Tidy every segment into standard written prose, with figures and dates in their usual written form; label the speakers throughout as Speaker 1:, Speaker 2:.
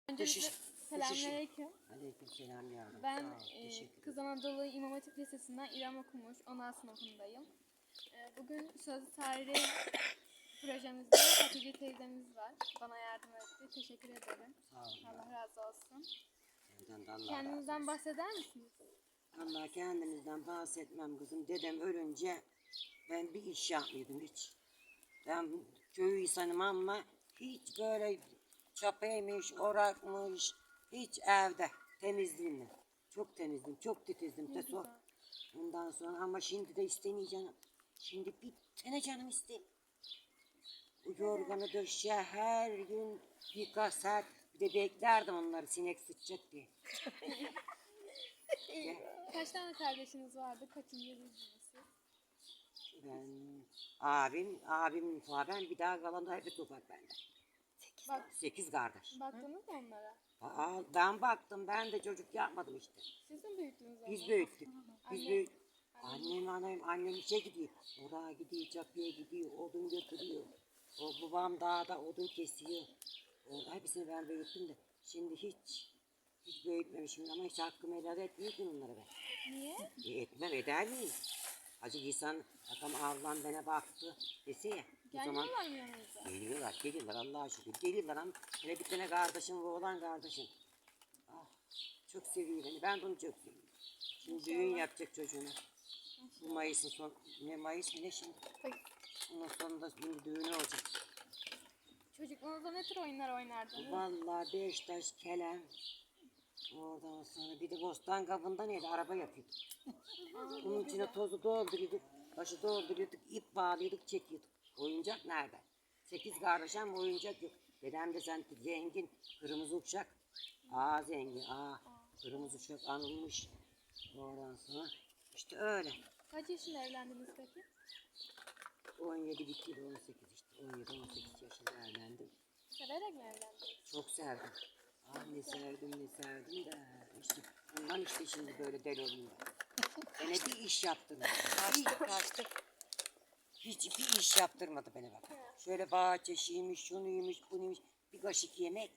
Speaker 1: Öncelikle selamünaleyküm.
Speaker 2: Aleykümselam yavrum.
Speaker 1: Ben
Speaker 2: Teşekkür
Speaker 1: Kız Anadolu İmam Hatip Lisesi'nden İrem Okumuş, 10. sınıfındayım. Bugün sözlü tarihi projemizde Hatice teyzemiz var. Bana yardım etti. Teşekkür ederim.
Speaker 2: Sağ olun.
Speaker 1: Allah razı olsun.
Speaker 2: Senden de Allah razı
Speaker 1: Kendinizden
Speaker 2: olsun.
Speaker 1: bahseder misiniz?
Speaker 2: Allah kendimizden bahsetmem kızım. Dedem ölünce ben bir iş yapmıyordum hiç. Ben köy insanım ama hiç böyle çapaymış, orakmış, hiç evde temizliğimle. Çok temizdim, çok titizdim.
Speaker 1: Ne güzel.
Speaker 2: Ondan sonra ama şimdi de istemeyeceğim. Şimdi bir tane canım isteyeyim. Bu yorganı döşe her gün birkaç saat bir de beklerdim onları sinek sıçacak diye.
Speaker 1: Kaç tane kardeşiniz vardı? Kaçıncıydınız siz?
Speaker 2: Ben abim falan ben bir daha kalan da hep ufak bende.
Speaker 1: Bak,
Speaker 2: 8 kardeş.
Speaker 1: baktınız mı onlara?
Speaker 2: Ben baktım ben de çocuk yapmadım işte.
Speaker 1: Siz mi büyüttünüz onları?
Speaker 2: Biz büyüttük. Biz
Speaker 1: Anne-
Speaker 2: büyüttük. Annem işe gidiyor. Oraya gidiyor, çapıya gidiyor, odun götürüyor. O babam dağda odun kesiyor. Hepsini ben büyüttüm de. Şimdi hiç büyütmemişim ama hiç hakkımı helal etmiyorum onlara ben.
Speaker 1: Niye?
Speaker 2: Etmem eder miyim? Acı insan adam Allah'ım bana baktı dese ya. O zaman
Speaker 1: Gelmiyorlar mı yanınıza?
Speaker 2: geliyorlar Allah'a şükür. Geliyorlar ama hele bir tane kardeşim ve oğlan kardeşim. Ah, çok seviyor beni. Ben de onu çok seviyorum. Şimdi düğün yapacak çocuğuna. Bu Mayıs'ın son, ne Mayıs mı ne şimdi? Ondan sonunda şimdi düğünü olacak.
Speaker 1: Çocukluğunuzda ne tür oyunlar oynardınız?
Speaker 2: Vallahi Beşiktaş, Kelem. Ondan sonra bir de bostan kabında neydi? Araba yapıyorduk. Bunun içine tozu dolduruyorduk. Başı dolduruyorduk. İp bağlıyorduk, çekiyorduk. Oyuncak nerede? 8 kardeş ama oyuncak yok. Dedem de sen zengin, kırmızı uçak. Zengin, kırmızı uçak anılmış. Ondan sonra işte öyle.
Speaker 1: Kaç yaşında evlendiniz peki?
Speaker 2: 17 bitti de 18 işte. 17-18 yaşında evlendim.
Speaker 1: Severek mi evlendiniz?
Speaker 2: Çok sevdim. Ne sevdim de işte bundan işte şimdi böyle deli olayım ben. Bana bir iş yaptırmadı. Hiçbir iş yaptırmadı bana bak. Şöyle bahçeşiymiş, şunuymuş, bunuymuş. Bir kaşık yemek.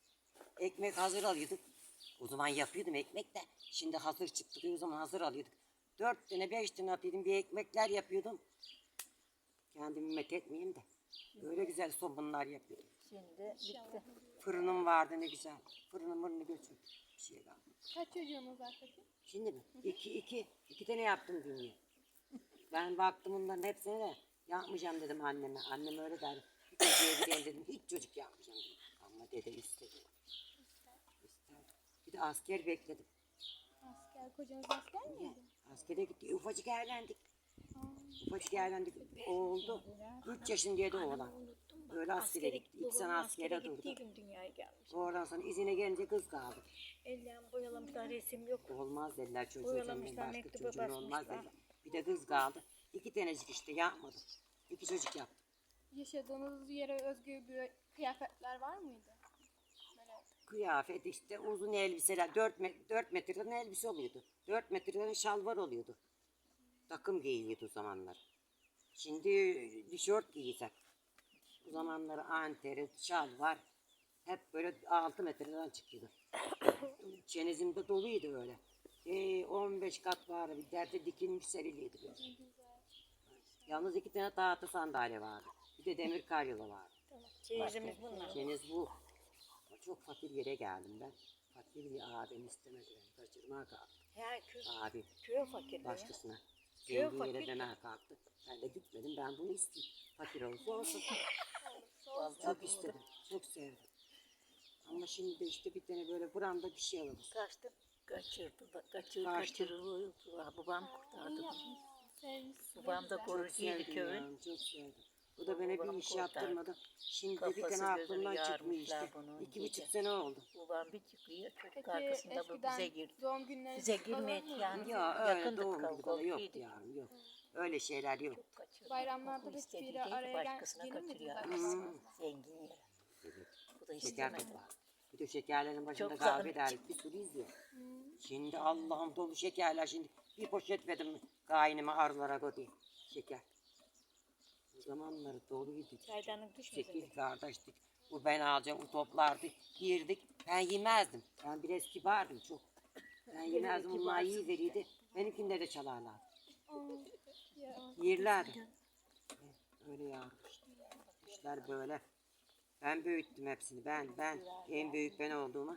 Speaker 2: Ekmek hazır alıyorduk. O zaman yapıyordum ekmek de. Şimdi hazır çıktı o zaman hazır alıyorduk. 4 tane 5 tane atıyordum bir ekmekler yapıyordum. Kendimi met etmeyeyim de. Böyle güzel somunlar yapıyordum.
Speaker 3: Şimdi bitti.
Speaker 2: Fırınım vardı ne güzel. Fırınımı götürdüm. Bir şey kalmadı.
Speaker 1: Kaç çocuğunuz var peki?
Speaker 2: Şimdi mi? İki tane yaptım dünya. Ben baktım bunların hepsine de yapmayacağım dedim anneme. Annem öyle derdi. Bir çocuğa gideyim dedim. Hiç çocuk yapmayacağım dedim. Ama dede istedi. İster. Bir de asker bekledim.
Speaker 1: Asker, kocanız asker miydi?
Speaker 2: Askere gitti. Ufacık evlendik. Ufacık evlendik. Oldu. 3 yaşındaydı oğlan. Böyle askere gitti. 2 sene askere durdu.
Speaker 3: Gittiği gün dünyaya gelmiş.
Speaker 2: Oradan sonra izine gelince kız kaldı.
Speaker 3: Ellerini boyalamışlar, resim yok.
Speaker 2: Olmaz dediler çocuğun
Speaker 3: Boyalamışlar,
Speaker 2: başka
Speaker 3: mektuba
Speaker 2: çocuğun olmaz
Speaker 3: basmışlar.
Speaker 2: dediler. Bir de kız kaldı. 2 tanecik işte yapmadım. 2 çocuk yaptım.
Speaker 1: Yaşadığınız yere özgü bir kıyafetler var mıydı? Böyle
Speaker 2: Kıyafet işte uzun elbiseler 4 metreden elbise oluyordu. 4 metreden şalvar oluyordu. Takım giyiliyordu o zamanlar. Şimdi tişört giyecek. O zamanlar anteri, şalvar hep böyle 6 metreden çıkıyordu. Çenizimde doluydu öyle. 15 kat vardı. Bir derde dikilmiş seriliydi böyle. Yalnız 2 tane tahta sandalye vardı. Bir de demir karyola vardı.
Speaker 3: Çeyizimiz bunlar.
Speaker 2: Çeniz bu. Ama çok fakir yere geldim ben. Fakir bir abim istemedi beni. Kaçırmaya kalktı.
Speaker 3: Her köy,
Speaker 2: Abim
Speaker 3: köy fakir.
Speaker 2: başkasına.
Speaker 3: Köy
Speaker 2: Zengin yere
Speaker 3: fakir.
Speaker 2: demeye kalktı. Ben de gitmedim. Ben bunu isteyeyim. Fakir olsa olsun.
Speaker 3: Vallahi
Speaker 2: Çok istedim. Çok sevdim. Ama şimdi de işte bir tane böyle buramda bir şey alalım.
Speaker 3: kaçtı. Kaçırdı da
Speaker 2: Kaçtı.
Speaker 3: kaçırıldı. Babam kurtardı.
Speaker 1: iyi yapmışsınız, sevmişsiniz.
Speaker 3: Babam da
Speaker 1: Ne güzel.
Speaker 3: koruyucuydu
Speaker 2: Sevdim
Speaker 3: köyün.
Speaker 2: yavrum, çok sevdim. O da bana bir
Speaker 3: Babam
Speaker 2: iş
Speaker 3: kurtardı.
Speaker 2: yaptırmadı. Şimdi de bir
Speaker 3: Kafası
Speaker 2: tane
Speaker 3: gözünü
Speaker 2: aklımdan çıkmıyor
Speaker 3: yarmışlar
Speaker 2: işte.
Speaker 3: bunun
Speaker 2: 2,5
Speaker 3: gece.
Speaker 2: sene oldu.
Speaker 3: Babam bir çıkıyor. Çocuk
Speaker 1: Peki
Speaker 3: arkasında bu
Speaker 1: eskiden
Speaker 3: bize girdi.
Speaker 1: doğum günleri
Speaker 3: Bize
Speaker 1: falan
Speaker 3: girmek
Speaker 1: mıydı?
Speaker 3: yani.
Speaker 2: Ya öyle
Speaker 3: Yakındık,
Speaker 2: doğum gibi bana yok
Speaker 3: komşuyduk.
Speaker 2: yavrum yok. Öyle şeyler yok.
Speaker 3: Çok kaçırdı.
Speaker 1: Bayramlarda
Speaker 3: Okul
Speaker 1: hiçbiri
Speaker 3: istediği
Speaker 1: araya
Speaker 3: başkasına
Speaker 1: gelir miydiniz
Speaker 3: kaçırıyor
Speaker 1: arkadaşlar?
Speaker 3: arkadaşlar. Zengin yere. Bu da
Speaker 2: Şeker
Speaker 3: istemedi.
Speaker 2: de var. Bir de şekerlerin başında
Speaker 3: Çok
Speaker 2: kahve
Speaker 3: zahmet
Speaker 2: derdik. Bir sürü izliyor. Şimdi Allah'ım dolu şekerler. Şimdi bir poşet verdim kaynıma arılara koyayım. Şeker. O zamanları doluydu.
Speaker 3: Çaydanlık düşmesin.
Speaker 2: 8 kardeştik. Bu ben alacağım, bu toplardı. Yerdik. Ben yemezdim. Ben biraz kibardım çok. Ben yemezdim. Onlar iyi verirdi. Benimkinde de çalarlar.
Speaker 1: Ya,
Speaker 2: Yerlerdi. Öyle ya. İşler böyle. Ben büyüttüm hepsini. Ben en büyük ben olduğuma.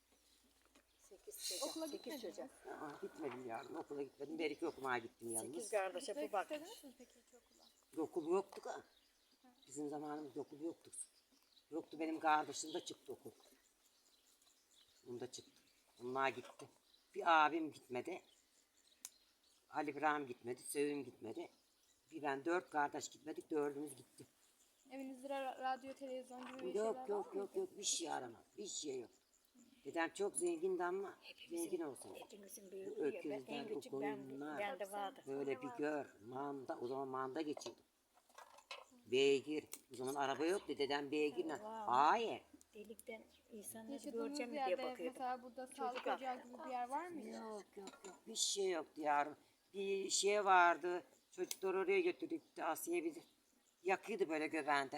Speaker 3: 8 çocuk.
Speaker 1: Okula
Speaker 3: 8
Speaker 1: gitmediniz.
Speaker 3: çocuk.
Speaker 2: Gitmedim yarın. Okula gitmedim. Belki okumaya gittim
Speaker 3: 8
Speaker 2: yalnız.
Speaker 3: kardeşe
Speaker 1: Gitmek
Speaker 3: bu bak.
Speaker 1: istediniz mi peki hiç okula?
Speaker 2: Okul yoktu da. Bizim zamanımızda okul yoktu. Yoktu, benim kardeşim de çıktı okul. Bunda çıktı. Onlar gitti. Bir abim gitmedi. Ali İbrahim gitmedi. Sevim gitmedi. Bir ben, 4 kardeş gitmedik. 4'ümüz gitti.
Speaker 1: Evinizde radyo, televizyon gibi bir
Speaker 2: Yok
Speaker 1: şeyler
Speaker 2: yok
Speaker 1: var mı?
Speaker 2: yok yok. Bir şey aramam. Bir şey yok. Dedem çok zengindi ama zengin olsun.
Speaker 3: Hepimizin
Speaker 2: Bu
Speaker 3: büyüğü ya. Ben
Speaker 2: öküzler,
Speaker 3: en
Speaker 2: bu
Speaker 3: küçük
Speaker 2: koyunlar.
Speaker 3: ben de vardı.
Speaker 2: Böyle bir gör. Manda. O zaman manda geçiyordu. Beygir. O zaman araba yoktu. Dedem beygirle. Hayır.
Speaker 3: Delikten insanları
Speaker 1: Yaşadığınız
Speaker 3: göreceğim mi diye
Speaker 1: yerde
Speaker 3: bakıyordum.
Speaker 1: mesela burada sağlık ocağı gibi bir yer var mıydı?
Speaker 2: Yok yok yok. Bir şey yoktu yavrum. Bir şey vardı. Çocuklar oraya götürdük de Asiye bizi yakıyordu böyle göbeğinde.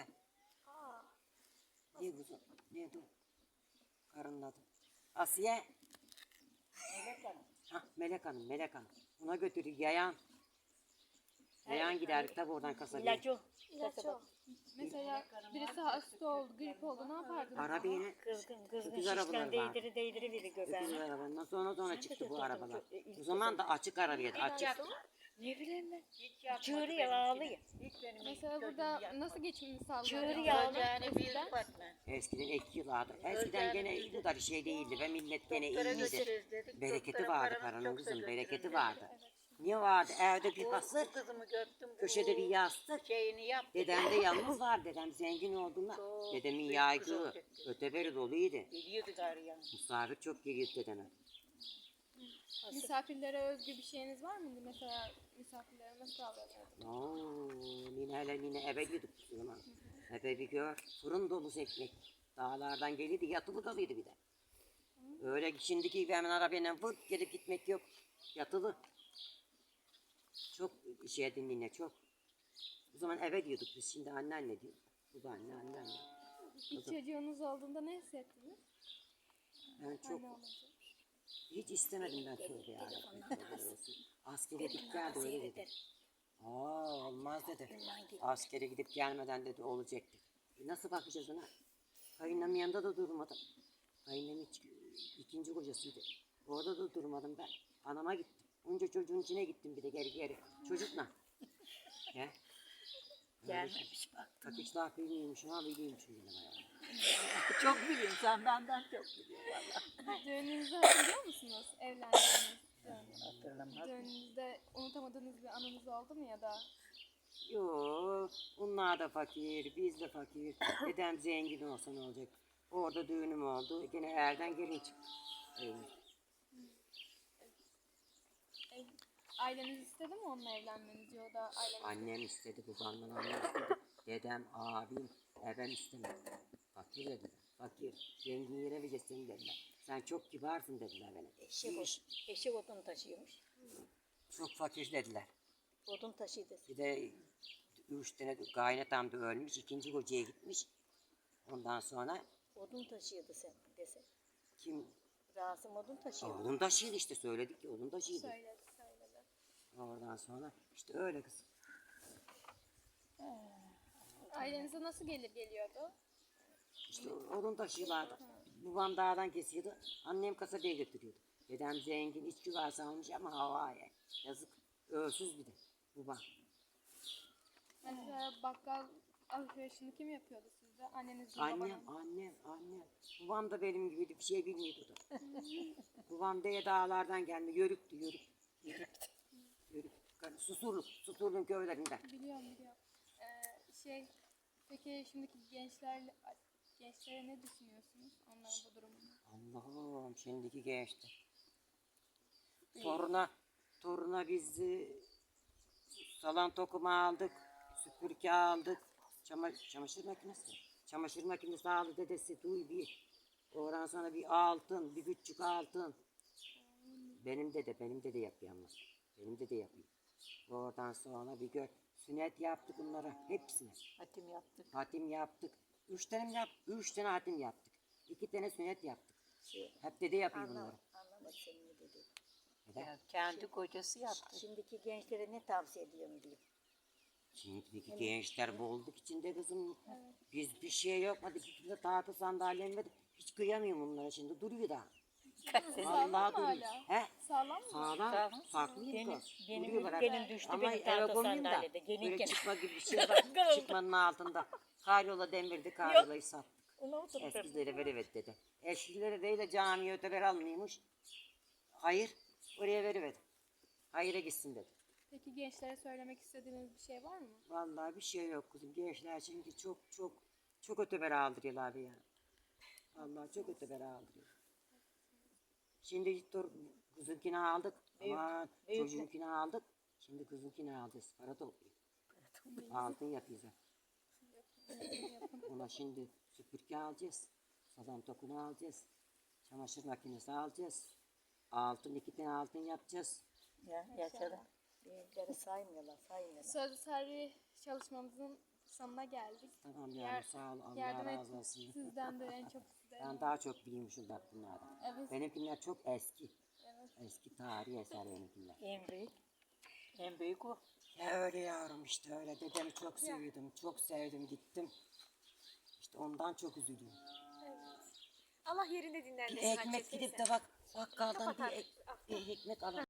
Speaker 2: Ne kuzum? Ne bu? Karının adı. Asiye.
Speaker 3: Melek Hanım.
Speaker 2: Hah, Melek Hanım, Melek Hanım. Ona götürdük yayan. Yayan giderdik tabi oradan kasabaya.
Speaker 3: İlacı.
Speaker 1: Mesela birisi hasta oldu, grip oldu, ne yapardınız?
Speaker 2: Arabayla
Speaker 3: Kızgın
Speaker 2: Öküz arabaları
Speaker 3: şişten
Speaker 2: vardı.
Speaker 3: değdiri biri
Speaker 2: öküz
Speaker 3: göbeğine.
Speaker 2: arabalarından sonra çıktı bu arabalar.
Speaker 3: ilk
Speaker 2: O zaman da açık arabiydi, açık.
Speaker 3: Ne bileyim ben. Çığırıyor ağlıyor.
Speaker 1: Mesela burada nasıl geçimini
Speaker 3: Çığırıyor
Speaker 1: sağlıyordunuz?
Speaker 3: ağlıyor.
Speaker 2: Eskiden ek yıllardı. Eskiden gene bu kadar şey değildi ve millet gene iyiydi. Bereketi vardı paranın kızım, bereketi vardı. Ne vardı? Evde bir hasır,
Speaker 3: Kızımı gördüm.
Speaker 2: köşede bir yastık.
Speaker 3: Şeyini yap.
Speaker 2: Dedem de yalnız var. Dedem zengin olduğunda. Dedemin yaygı öteberi doluydu.
Speaker 3: Geliyordu gari yani.
Speaker 2: Misafir çok geliyordu dedeme.
Speaker 1: Misafirlere özgü bir şeyiniz var mıydı? Mesela misafirlere nasıl davranıyordunuz?
Speaker 2: Oo, nine eve gidip o zaman. Eve bir gör. Fırın dolusu ekmek. Dağlardan gelirdi, yatılı kalıyordu bir de. Öyle şimdiki gibi hemen arabayla vırt gelip gitmek yok. Yatılı. Çok şey edin nine çok. O zaman eve diyorduk biz, şimdi anneanne diyor. Babaanne, anneanne.
Speaker 1: İlk çocuğunuz olduğunda ne hissettiniz?
Speaker 2: Ben çok
Speaker 1: Anne olunca.
Speaker 2: hiç istemedim ben tövbe ya. Askere gidip geldi öyle dedi. Aa olmaz dedi. Askere gidip gelmeden dedi olacak dedi. Nasıl bakacağız ona? Kayınlamın yanında da durmadım. Kayınlamın ikinci kocasıydı. Orada da durmadım ben. Anama gittim. Onca çocuğun içine gittim bir de geri. Çocukla. Ya.
Speaker 3: Gelmemiş bak.
Speaker 2: Takışlar bilmiyormuşum ama biliyormuşum benim ayağım.
Speaker 3: Çok biliyorsun sen benden çok biliyorsun valla.
Speaker 1: Düğününüzü hatırlıyor musunuz? Evlendiğiniz düğünü.
Speaker 3: Hatırlamaz.
Speaker 1: Düğününüzde unutamadığınız bir anınız oldu mu ya da?
Speaker 2: Yok, onlar da fakir, biz de fakir. Dedem zengin olsa ne olacak? Orada düğünüm oldu. Gene erden gelin çıktı. Evet.
Speaker 1: Aileniz istedi mi onunla evlenmenizi ya da aileniz?
Speaker 2: Annem istedi, babamdan annem istedi. Dedem, abim, ben istemedi. Fakir dediler, fakir. Zengin yere vereceksin dediler. Sen çok kibarsın dediler bana.
Speaker 3: Eşi odun taşıyormuş.
Speaker 2: Çok fakir dediler.
Speaker 3: Odun taşıydı.
Speaker 2: Bir de 3 tane kaynatam da ölmüş, ikinci kocaya gitmiş. Ondan sonra
Speaker 3: Odun taşıyordu sen dese.
Speaker 2: kim?
Speaker 3: Rasim odun taşıyordu.
Speaker 2: Oğlum taşıydı işte, söyledik ya, oğlum taşıydı.
Speaker 1: Söyledi.
Speaker 2: Oradan sonra işte öyle kız.
Speaker 1: Ailenize nasıl gelir geliyordu?
Speaker 2: İşte odun taşıyorlardı. Babam dağdan kesiyordu. Annem kasabaya götürüyordu. Dedem zengin, içki varsa almış ama havaya. Yazık. Ölsüz bir de. Babam.
Speaker 1: Mesela bakkal alışverişini kim yapıyordu sizde? Anneniz mi
Speaker 2: Annem,
Speaker 1: babanız?
Speaker 2: annem. Babam da benim gibiydi. Bir şey bilmiyordu da. Babam de dağlardan gelme. Yörüktü. Yörük. Susurluk köylerinden.
Speaker 1: Biliyorum. Peki şimdiki gençlere ne düşünüyorsunuz onların bu durumunu?
Speaker 2: Allah'ım şimdiki gençti. Toruna biz salon tokuma aldık, süpürge aldık, çamaşır makinesi. Çamaşır makinesi aldı dedesi, duy bir. Oradan sonra bir altın, bir küçük altın. Benim dede yapıyor ama. Benim dede yapıyor. Oradan sonra bir gör, sünnet yaptık onlara hepsine.
Speaker 3: Hatim yaptık.
Speaker 2: Hatim yaptık. Üç tane hatim yaptık. 2 tane sünnet yaptık.
Speaker 4: Şey,
Speaker 2: Hep dede yapıyor bunları.
Speaker 4: anlamadım senin ne dediğini.
Speaker 3: Ya, kendi kocası yaptı.
Speaker 4: Şimdiki gençlere ne tavsiye ediyorum diyeyim.
Speaker 2: Şimdiki gençler bolluk içinde kızım. Biz bir şey yapmadık. Bir de tahta sandalyem hiç kıyamıyorum bunlara şimdi. Duruyor da.
Speaker 1: Sağlam mı
Speaker 2: Vallahi duruyor.
Speaker 1: hala?
Speaker 2: He?
Speaker 1: Sağlam mı?
Speaker 2: Sağlam.
Speaker 3: Sağlam.
Speaker 2: Farklıyım
Speaker 3: Benim,
Speaker 2: kız.
Speaker 3: benim
Speaker 2: Duruyorlar hep.
Speaker 3: gelin düştü
Speaker 2: Ama
Speaker 3: benim
Speaker 2: eve
Speaker 3: tahta
Speaker 2: koymayayım da.
Speaker 3: sandalyede.
Speaker 2: Böyle
Speaker 3: Gelirken.
Speaker 2: çıkma gibi bir şey var. Çıkmanın altında. Karyola demirdi. Karyolayı sattık.
Speaker 3: Ona oturttum.
Speaker 2: Eskilere veriver dedi. Eskilere değil de camiye öteber almıyormuş. Hayır. Oraya veriver. Hayır'a gitsin dedi.
Speaker 1: Peki gençlere söylemek istediğiniz bir şey var mı?
Speaker 2: Vallahi bir şey yok kızım. Gençler çünkü çok öteber aldırıyorlar abi ya. Vallahi çok öteber aldırıyor. Şimdi dur kızınkini aldık. Ama çocuğunkini aldık. Şimdi kızınkini alacağız. Para topluyor. Altın yapıyoruz. Ona şimdi süpürge alacağız. Salon tokunu alacağız. Çamaşır makinesi alacağız. 2 tane altın yapacağız.
Speaker 3: Ya, yaşadım.
Speaker 4: Gençleri saymıyorlar.
Speaker 1: Sözlü tarih çalışmamızın sonuna geldik.
Speaker 2: Tamam
Speaker 1: Yer-
Speaker 2: yani sağ ol. Allah
Speaker 1: Yardım
Speaker 2: razı
Speaker 1: ettik.
Speaker 2: olsun.
Speaker 1: Sizden de en çok sizden.
Speaker 2: Ben daha çok biliyormuşum bak bunlardan.
Speaker 1: Evet.
Speaker 2: Benimkiler çok eski.
Speaker 1: Evet.
Speaker 2: Eski tarihi eser benimkiler.
Speaker 3: En büyük. En büyük o.
Speaker 2: Ya öyle yavrum işte öyle. Dedemi çok seviyordum. Çok sevdim gittim. İşte ondan çok üzülüyorum.
Speaker 1: Allah yerinde dinlendirsin.
Speaker 2: Bir ekmek gidip de bak bakkaldan bir ekmek alalım.